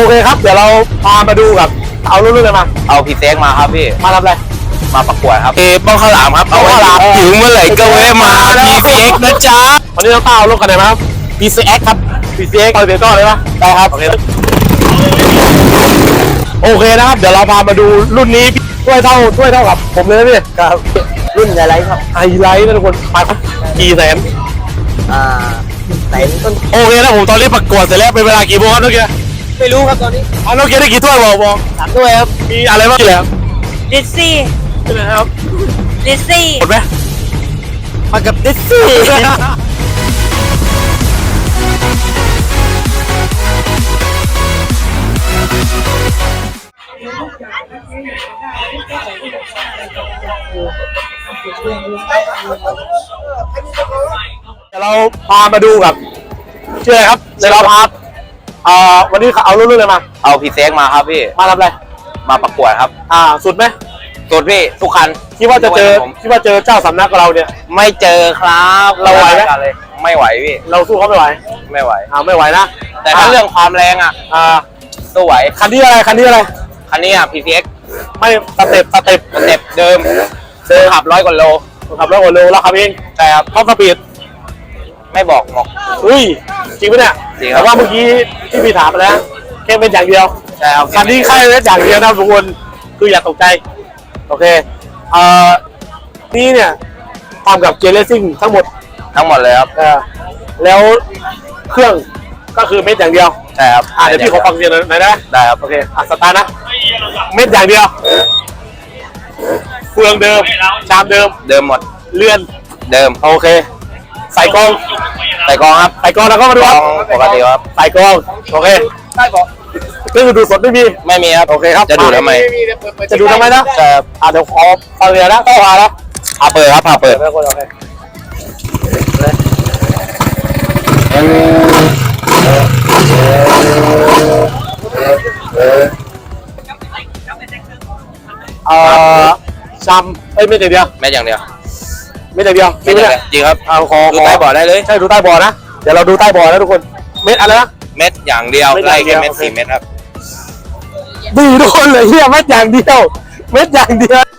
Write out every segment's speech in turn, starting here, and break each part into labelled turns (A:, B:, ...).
A: เคครับเดี๋ยวเราพามาดูกับเอารุ่นเลยมา
B: เอาพีเซ็กมาครับพี่
A: มาทำอะไร
B: มาประกวดครับบ้องข้าวหลามครับเอาข้าวหลามถึงเมื่อไหร่ก็แวะมาพีเซ็กนะจ๊ะ
A: วันนี้เราต้าเอารุ่นกันไหนมาครับ
B: PCX ครับ
A: PCX ปล่อยเบรกก่อนเลยปะ
B: ได้ครับ
A: โอเคนะครับเดี๋ยวเราพามาดูรุ่นนี้ถ้วยเท่ากับผมเลยนะพี่
B: ครับรุ่นไฮไลท์ครับ
A: ไฮไลท์นะทุกคนมากี่แสน
B: ไหนต้น
A: โอเคนะผมตอนนี้ประกวดเสร็จแล้วเป็นเวลากี่โมงครับน้องเกียร์
B: ไม่รู้ครับตอนนี้
A: น้องเกียร์ได้กี่ถ้วยบอก
B: 3ถ้วยครับ
A: มีอะไรบ้างแล้ว
C: ดิซซี่
A: ใช่ไหมครับ
C: ดิซซี่
A: หมดไหม
B: มากับดิซซี่
A: เราพามาดูกับเชื่อครับเดี๋ยวเราพาวันนี้เอารุ่นเลยมา
B: เอาพีเซ็กมาครับพี่
A: มาทำอะไร
B: มาประกวดครับ
A: สุดไหม
B: สุดพี่ทุกคัน
A: คิดว่าเจอเจ้าสำนักกับเราเนี่ย
B: ไม่เจอครับ
A: เราไหวไหม
B: ไม่ไหวพี่
A: เราสู้เขาไม่ไหว
B: ไม่ไหว
A: ไม่ไหวนะ
B: แต่ถ้าเรื่องความแรงสู้ไหว
A: คันนี้อะไรคันนี้
B: PCX
A: ไม่สเต็ป
B: เดิมขับ100 กว่าโล
A: แล้วขับเอง
B: ใช่ครับ
A: ท็อปสปีด
B: ไม่บอก
A: อุ้ยจริงปะเนี่ย
B: จริง
A: แต่ว่าเมื่อกี้ที่พี่ถามไปแล้วแค่เป็นอย่างเดียว
B: ใช่ครับ
A: คันนี้แค่เป็นอย่างเดียวนะทุกคนคืออย่าตกใจโอเคนี่เนี่ยทำกับเจเลซิ่งทั้งหมด
B: เลยครับ
A: แล้วเครื่องก็คือเม็ดอย่างเดียว
B: ใช่ครับ
A: เดี๋ยวพี่ขอฟังเสียงหน่อยได้ไหม
B: ได้ครับ
A: โอเคสตาร์ทนะเม็ดอย่างเดียวเฟืองเดิมชามเดิม
B: หมด
A: เลื่อน
B: เดิม
A: โอเคใส่กอง
B: ครับ
A: ใส่กองแล้วก็มาดูครับ
B: ปกติครับ
A: ใส่กองโอเคได้บอกเครื่องดูสดไม่มี
B: ครับ
A: โอเคครับ
B: จะดูทำไม
A: นะ
B: ใช่ครับ
A: เดี๋ยวขอฟังเรียนนะต้องพาแล้ว
B: เปิดครับเปิด
A: ชามไม่อย่างเดียว
B: ไม่อย่างเดียว
A: จ
B: ริงครับ
A: ขอ
B: ดูใต้บ่อได้เลย
A: ใช่ดูใต้บ่อนะเดี๋ยวเราดูใต้บ่อนะทุกคนเม็ดอะไรนะ
B: เม็ดอย่างเดียวไล่แค่เม็ด4 เม็ดครับ
A: ดีทุกคนเลยเฮียเม็ดอย่างเดียว
B: เม็ดอย่างเดียว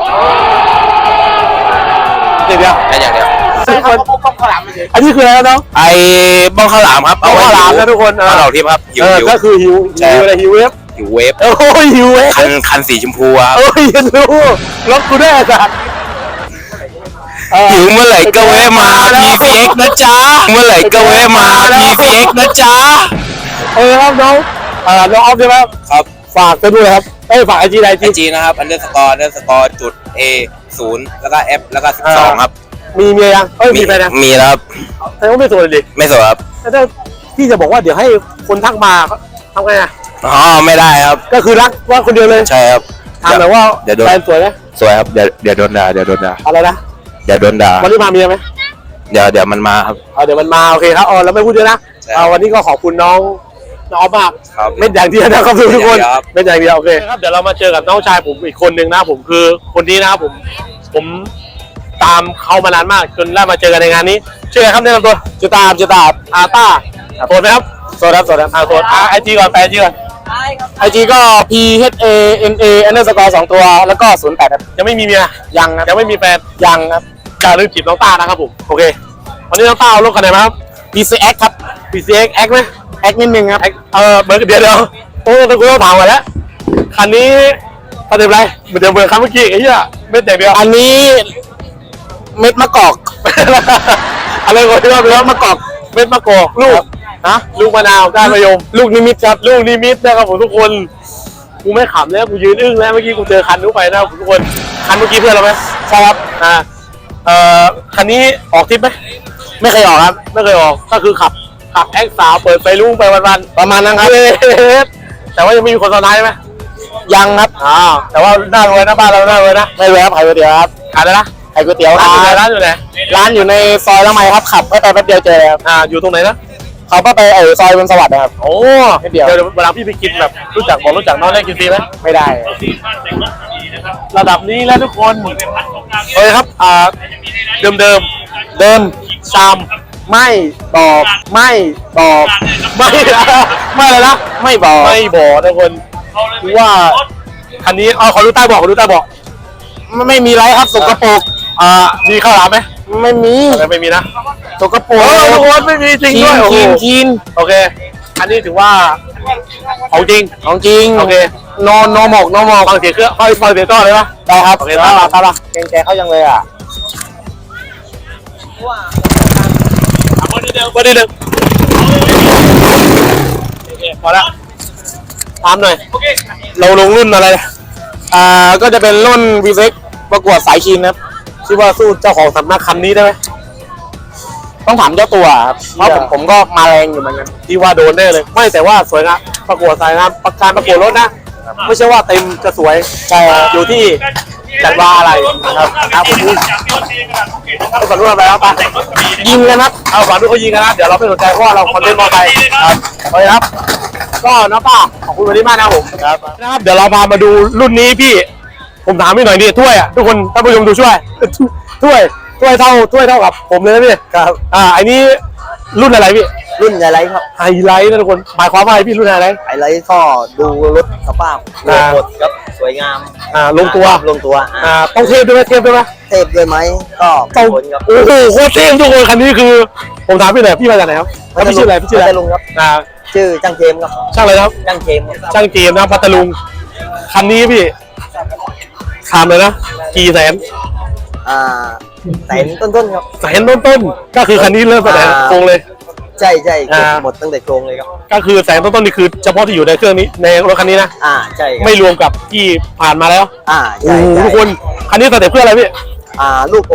A: อันนี้คืออะไรน้อง
B: บ้องข้าวหลามครับ
A: บ้องข้าวหลามนะทุกคน
B: ข้าวหลามทิพย์ครับ
A: ก็คือหิวอะไรหิวเวฟโอ้ยหิวเวฟ
B: คันสีชมพูครับ
A: โอ้ยรู้รถกูได้จ้ะ
B: หิวเมื่อไหร่ก็แวะมาPCXนะจ๊ะเมื่อไหร่ก็แวะมาPCXนะจ๊ะ
A: ครับน้องออฟใช่ไหม
B: ครับ
A: ฝากไปด้วยครับฝากIG
B: นะครับ__จุด A0 แล้วก็ F แล้วก็12ครับ
A: มีเมียยังมีแฟนยัง
B: มีแล้วครับ
A: แต่ว่าไม่โสดเลย
B: ไม่โสดครับ
A: แต่พี่จะบอกว่าเดี๋ยวให้คนทักมาทำไง
B: ไม่ได้ครับ
A: ก็คือรักว่าคนเดียวเลย
B: ใช่ครับ
A: ทำแบบว่าแฟนสวยไหม
B: สวยครับเดี๋ยวโดนด่า
A: อะไรนะ
B: เดี๋ยวโดนด่า
A: วันนี้มาเมียไหม
B: เดี๋ยวมันมาครับ
A: เดี๋ยวมันมาโอเคครับแล้วไม่พูดเยอะนะวันนี้ก็ขอบคุณน้องออฟมากเม็ดอย่างเดียวนะครับทุกคนเม็ดอย่างเดียวโอเคครับเดี๋ยวเรามาเจอกับน้องชายผมอีกคนหนึ่งนะผมคือคนนี้นะครับผมตามเขามานานมากจนได้มาเจอกันในงานนี้ชื่ออะไรครับแนะนำตัวจุตาต้าโสดไหมครับโสดโสดIG ก่อนไปIG ก่อน
B: IG ก็ PHANA_2 ตัวแล้วก็08ครับ
A: ยังไม่มีเมีย
B: ยังครับ
A: ยังไม่มีแฟน
B: ยังครับ
A: อย่าลืมจีบน้องต้านะครับผมโอเควันนี้น้องต้าเอารถคันไหนมาครับ
B: PCX ครับ
A: PCX แอคไหม
B: แอคนิดนึงครับ
A: เบอร์เดียวโอ้ตะกูต้องถามก่อนแล้วคันนี้ประเด็นอะไรเหมือนเดิมครั้งเมื่อกี้ไอ้เหี้ยเม็ดอย่างเดียว
B: อันนี้เม็ดมะกอก
A: อะไรก่อนที่ว่าเป็นมะกอกเม็ดมะกอกลูกลูกมะนาวก้านมะยม
B: ลูกนิมิตครับ
A: ลูกนิมิตนะครับผมทุกคนกูไม่ขำแล้วกูยืนอึ้งแล้วเมื่อกี้กูเจอคันนู้นไปนะทุกคนคันเมื่อกี้เพื่อนเราไหม
B: ใช่ครับ
A: คันนี้ออกทริปไหม
B: ไม่เคยออกครับ
A: ไม่เคยออกก็คือขับแอคสาวเปิดไฟลุงไปวัน
B: ๆประมาณนั้นครับ
A: แต่ว่ายังไม่มีคนซ้อนท้ายไหม
B: ยังครับ
A: แต่ว่าหน้ารวยนะบ้านเราหน้ารวยนะ
B: ไม่รวยครับขายก๋วยเตี๋ยวครับ
A: ขายอะไรนะ
B: ขายก๋วยเตี๋ยว
A: ร้านอยู่ไหน
B: ร้านอยู่ในซอยละไมครับขับไปแป๊บเดียวเจอครับ
A: อยู่ตรงไหนนะ
B: เขาไปซอยบนสวัสดิ์นะครับ
A: โอ้เดี๋ยวเวลาพี่ไปกินแบบรู้จักน้องได้กินฟรีไหม
B: ไม่ได้
A: ระดับนี้แล้วทุกคนโอเคครับเดิมชามไม่บอกไม่บอกไม่ไม่เลยนะไม่บอกทุกคนว่าคันนี้ขอดูใต้เบอกขอดูใต้เบอกไม่มีไรครับสกปรกมีข้าวหลามไหมไม่มีนะสกปรกทุกคนไม่มีจริงด้วยกินโอเคอันนี้ถือว่าของจริงโอเคนอนหมกฟังเสียงเครื่องฟังเสียงก้อนเลยปะได้ครับโอเคตามมาเกรงใจเขายังเลยอ่ะวันนี้เดิมโอเคพอละถามหน่อยเราลงรุ่นอะไรก็จะเป็นรุ่น V6 ประกวดสายชิงครับคิดว่าสู้เจ้าของสำนักคันนี้ได้ไหมต้องถามเจ้าตัวครับเพราะผมก็มาแรงอยู่เหมือนกันที่ว่าโดนได้เลยไม่แต่ว่าสวยงามประกวดสายงามการประกวดรถนะไม่ใช่ว่าเต็มจะสวยแต่อยู่ที่จัดว่าอะไรครับผมเอาฝันรุ่นอะไรครับยิงกันนะเอาฝันรุ่นเขายิงกันนะเดี๋ยวเราไม่สนใจเพราะว่าเราคอนเทนต์มอไซค์ครับโอเคครับก็น้าป้าขอบคุณวันนี้มากนะผมนะครับเดี๋ยวเรามาดูรุ่นนี้พี่ผมถามพี่หน่อยดิถ้วยอ่ะทุกคนท่านผู้ชมดูช่วยถ้วยเท่ากับผมเลยนะพี่ครับอันนี้รุ่นอะไรพี่รุ่นไฮไลท์ครับไฮไลท์นะทุกคนหมายความว่าพี่รุ่นไฮไลท์ก็ดูรถสภาพหมดครับสวยงามลงตัวต้องเทพด้วยไหมเทพด้วยไหมก็ต้องโอ้โหโคตรเทพทุกคนคันนี้คือผมถามพี่หน่อยพี่มาจากไหนครับพี่ชื่ออะไรพัทลุงครับชื่อช่างเจมครับช่างอะไรครับช่างเจมนะพัทลุงคันนี้พี่ถามเลยนะกี่แสนแสนต้นครับแสนต้นก็คือคันนี้เริ่มแสดงโครงเลยใช่หมดตั้งแต่โครงเลยครับก็คือแสนต้นนี่คือเฉพาะที่อยู่ในเครื่องนี้ในรถคันนี้นะใช่ไม่รวมกับที่ผ่านมาแล้วใช่ทุกคนคันนี้สเต็ปเพื่ออะไรพี่ลูก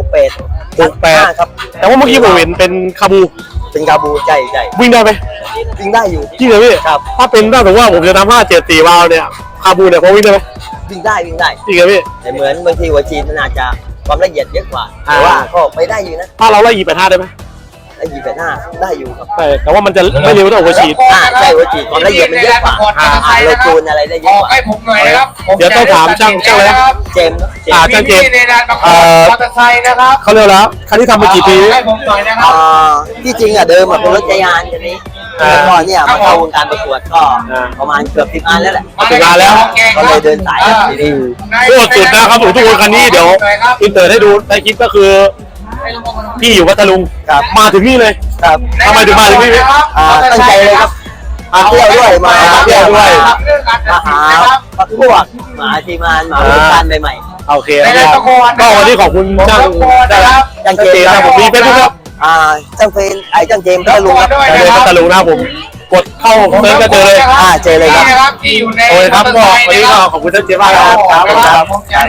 A: 68ครับแต่ว่าเมื่อกี้ผมเห็นเป็นคาบูใช่วิ่งได้ไหมวิ่งได้อยู่จริงเหรอพี่ครับถ้าเป็นถ้าสมมติว่าผมจะทำ574วาล์วเนี่ยคาบูเนี่ยพอวิ่งได้ไหมวิ่งได้จริงเหรอพี่แต่เหมือนบางทีหัวจีนมันอาจจะความละเอียดเยอะกว่าแต่ว่าก็ไปได้อยู่นะถ้าเราไล่25ได้ไหมไล่25ได้อยู่ครับแต่ว่ามันจะไม่เร็วเท่าหัวฉีดใช่หัวฉีดความละเอียดมันเยอะกว่าเราจูนอะไรได้เยอะกว่าให้ผมหน่อยครับเดี๋ยวต้องถามช่างเลยเจมส์ช่างเจมส์มอเตอร์ไซค์นะครับเขาเร็วแล้วคันที่ทำมากี่ปีให้ผมหน่อยนะครับที่จริงเดิมเป็นรถจักรยานคันนี้ก่อนเนี่ยมาเข้าวงการประกวดก็ประมาณเกือบ10 งานแล้วแหละ10 งานแล้วก็เลยเดินสายดีโคตรสุดนะครับทุกคนคันนี้เดี๋ยวอินเตอร์ให้ดูในคลิปก็คือพี่อยู่พัทลุงมาถึงนี่เลยทำไมถึงมาถึงนี่ตั้งใจเลยครับมาเที่ยวด้วยมาหาพวกมาทีมงานมาลูกค้าใหม่ๆโอเคก็วันนี้ขอบคุณช่างเจมส์นะผมมีเฟซบุ๊กครับช่างเจมส์พัทลุงครับพัทลุงนะผมกดเข้าเซิร์ชก็เจอเลยเจอเลยครับโอ้ยครับก็วันนี้ก็ขอบคุณช่างเจมส์มากครับ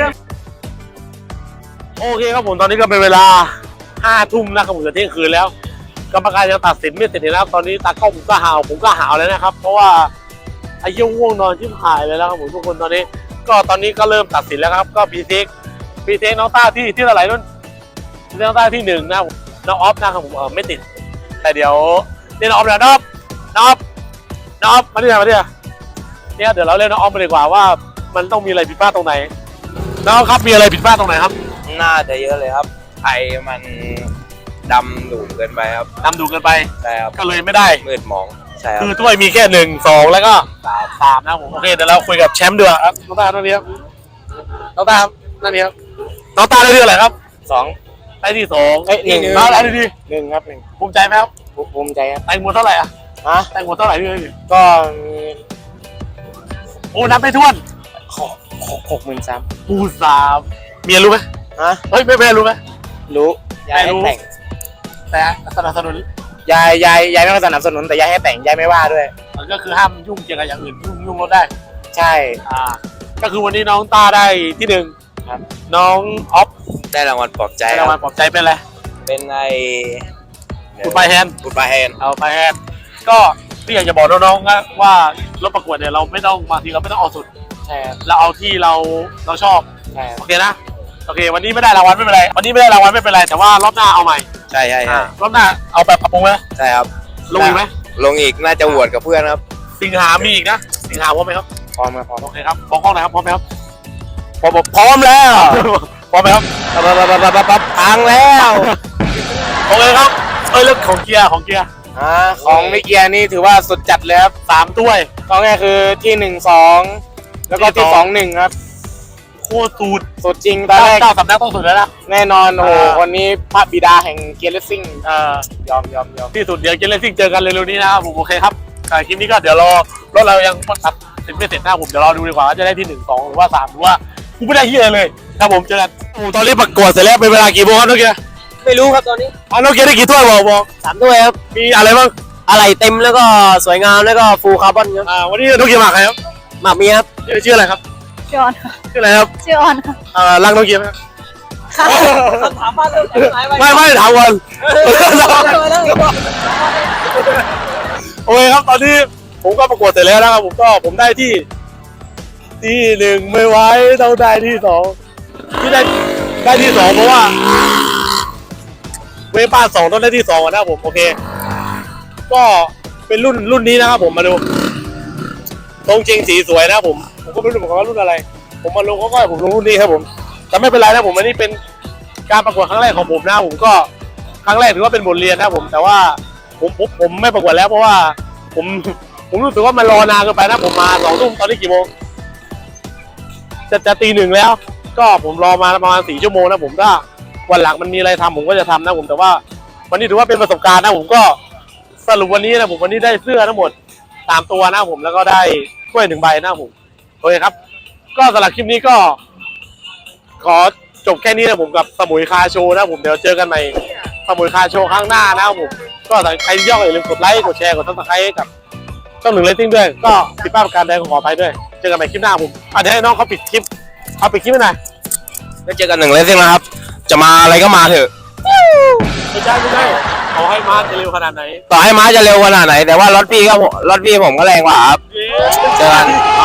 A: โอเคครับผมตอนนี้ก็เป็นเวลา5 ทุ่มนะครับผมจะเที่ยงคืนแล้วกรรมการยังตัดสินไม่เสร็จนะครับตอนนี้ตากล้องผมก็หาวแล้วนะครับเพราะว่าไอ้เหี้ยง่วงนอนชิบหายเลยแล้วครับผมทุกคนตอนนี้ก็เริ่มตัดสินแล้วครับก็พีเทคน้องต้าที่เท่าไหร่นู่นน้องต้าที่1นะน้องออฟนะครับผมไม่ติดแต่เดี๋ยวนี่น้องออฟนะน้องออฟมาดิเนี่ยเดี๋ยวเราเล่นน้องออฟมาดีกว่าว่ามันต้องมีอะไรผิดพลาดตรงไหนน้องครับมีอะไรผิดพลาดตรงไหนครับ
B: น่าจะเยอะเลยครับไทยมันดำดุเกินไปครับใช่ครับ
A: ก็เลยไม่ได้
B: มืดมองใช่ครับ
A: คือถ้วยมีแค่1 2แล้วก็3นะผมโอเคเดี๋ยวเราคุยกับแชมป์ด้วยครับน้องตาท่านนี้ครับน้องตานั่นนี่ครับน้องตาได้ที่อะไรครับ2ได้ที่2 1น้องได้ที่1ครับ1ภูมิใจไหมครับ
B: ภูมิใจครับ
A: แต่งหมดเท่าไหร่แต่งหมดเท่าไหร่พี่
B: ก็
A: โอ้นับไม่ถ้วน
B: 63,000
A: ปู3เมียรู้ไหมเฮ้ยไม่รู้ไหม
B: รู้ยายแต่ง
A: แต่สนับสนุน
B: ยายไม่สนับสนุนแต่ยายให้แต่งยายไม่ว่าด้วย
A: ก็คือห้ามยุ่งเกี่ยวกับอย่างอื่นยุ่งรถได้
B: ใช่
A: ก็คือวันนี้น้องตาได้ที่1ครับน้องออฟ
B: ได้รางวัลปลอบใจ
A: เป็นอะไร
B: เป็นไอ้
A: กูไปแฮนเอาไปแฮนก็พี่อยากจะบอกน้องๆนะว่ารถประกวดเนี่ยเราไม่ต้องบางทีเราไม่ต้องเอาสุด
B: ใช่
A: เราเอาที่เราชอบ
B: ใช่
A: โอเคนะโอเควันนี้ไม่ได้รางวัลไม่เป็นไรแต่ว่ารอบหน้าเอาใหม่
B: ใช่
A: รอบหน้าเอาแบบปรับปรุงไหม
B: ใช่ครับ
A: ลงอีกไหม
B: ลงอีกน่าจะโหวตกับเพื่อนครับ
A: สิงหามีอีกนะสิงหาพร้อมไหมครับ
B: พร้อมโ
A: อเคครับบอกกล้องหน่อยครับพร้อมไหมครับ
B: พร้อมแล้ว
A: พร้อมไหมครับ
B: พังแล้ว
A: โอเคครับแล้วของเกียร์
B: ของมิเกียนี่ถือว่าสุดจัดเลยครับ
A: 3 ถ้วย
B: ก็ง่ายคือที่1 2แล้วก็ที่2 1ครับ
A: โคตรสูตร
B: สุดจริงตอนแรก
A: เจ้าสำนักต้องสุดแล้วนะ
B: แน่นอนโอ้โหวันนี้พระบิดาแห่งเกียร์เลสซิ่งยอม
A: ที่สุดเดี๋ยวเกมเลสซิ่งเจอกันเร็วๆนี้นะครับผมโอเคครับคลิปนี้ก็เดี๋ยวรอรถเรายังตัดสินไม่เสร็จนะผมเดี๋ยวรอดูดีกว่าว่าจะได้ที่1 2หรือว่า3หรือว่ากูไม่ได้เฮียเลยครับผมเจอกันตอนนี้ประกวดเสร็จแล้วเป็นเวลากี่โมงครับน้องเกียร์
D: ไม่รู้ครับตอนนี้
A: น้องเกียร์ได้กี่ถ้วยบอก
D: 3 ถ้วยครับ
A: มีอะไรบ้าง
D: อะไรเต็มแล้วก็สวยงามแล้วก็ฟูลคาร์บอนครับ
A: วันนี้น้องเกียร์มาใครครับ
D: หมากมีครับ
A: ชื่ออะไรครับ
C: ชื่อออนค่ะ
A: ชื่ออะไรครับ
C: ชื่อออนค่ะ
A: รักน้องเกียร์ไหม
D: คำถามมาเรื่องไหนไป
A: ไม่ถามก่อนโอเคครับตอนนี้ผมก็ประกวดเสร็จแล้วนะครับผมได้ที่1ไม่ไหวต้องได้ที่2ที่ได้ที่2เพราะว่าเวป้า2ต้องได้ที่2ก่อนนะครับผมโอเคก็เป็นรุ่นนี้นะครับผมมาดูตรงจริงสีสวยนะครับผมก็ไม่รู้เหมือนกันว่ารุ่นอะไร ผมมาลงก็ผมลงรุ่นนี้ครับผมแต่ไม่เป็นไรนะผมอันนี้เป็นการประกวดครั้งแรกของผมนะผมก็ครั้งแรกถือว่าเป็นบทเรียนนะผมแต่ว่าผมไม่ประกวดแล้วเพราะว่าผมรู้สึกว่ามันรอนานเกินไปนะผมมา2 ทุ่มตอนนี้กี่โมงจะตี 1แล้ว ก็ผมรอมาประมาณ4 ชั่วโมงนะผมถ้าวันหลังมันมีอะไรทำผมก็จะทำนะผมแต่ว่าวันนี้ถือว่าเป็นประสบการณ์นะผมก็สรุปวันนี้นะผมวันนี้ได้เสื้อทั้งหมด3 ตัวนะผมแล้วก็ได้ถ้วย1 ใบนะผมโอเคครับก็สำหรับคลิปนี้ก็ขอจบแค่นี้นะผมกับสมุยคาโชว์นะผมเดี๋ยวเจอกันใหม่สมุยคาโชว์ครั้งหน้านะผมก็ใครย่ออย่าลืมกดไลค์กดแชร์กดซับสไครต์กับช่อง1 Rating ด้วยก็ผิดพลาดประการใดขออภัยด้วยเจอกันใหม่คลิปหน้าผมเดี๋ยวให้น้องเขาปิดคลิปให้หน่อย
B: แล้วเจอกัน1 เลสซิ่งนะครับจะมาอะไรก็มาเถอะ
A: ไม่ใช่ขอให้มาจะเร็วขนาดไหน
B: ต่อให้ม้าจะเร็วขนาดไหนแต่ว่ารถพี่ผมก็แรงกว่าครับเจอกัน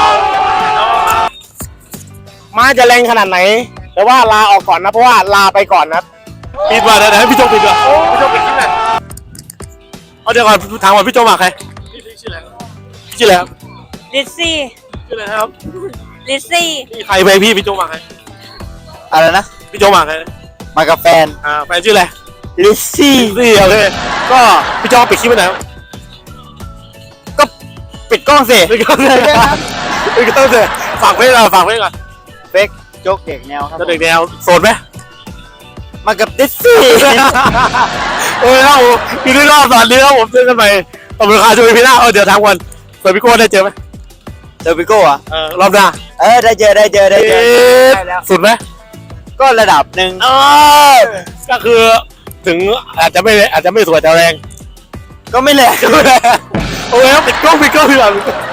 D: ม้าจะแรงขนาดไหน แต่ว่าลาออกก่อนนะเพราะว่าลาไปก่อนนะ
A: ปิดมาเดี๋ยวให้พี่โจปิดก่อนพี่โจปิดคลิปหน่อยเอาเดี๋ยวก่อนถามก่อนพี่โจมาใครพี่ชื่ออะไรครับ
C: ลิซซี่
A: ชื่ออะไรครับ
C: ลิซซี่
A: ใครไปพี่โจมาใคร
D: อะไรนะ
A: พี่โจมาใคร
D: มากับแฟน
A: แฟนชื่ออะไร
D: ลิซซี่
A: โอเคก็พี่โจปิดคลิปไปไหน
D: ก็ปิดกล้องสิ
A: ปิดกล้องเลยฝากไว้ก่อน
D: เฟกโจ๊กเด็กแนวครับ
A: จะเด็กแนวโสดไหม
D: มากับลิซซี่
A: โอ้ยครับผมอยู่ที่รอบสอนนี้ครับผมเจอกันใหม่ขอบคุณค่ะช่วยพี่หน้าเดี๋ยวทางวันเปิดพี่โก้ได้เจอไหม
D: เจอปิโก้อะ
A: รอบหน้า
D: ได้เจอได้แล้ว
A: สุดไหม
D: ก็ระดับหนึ่ง
A: ก็คือถึงอาจจะไม่สวยแต่แรง
D: ก็ไม่แรง
A: โอเคครับปิดกล้องก่อน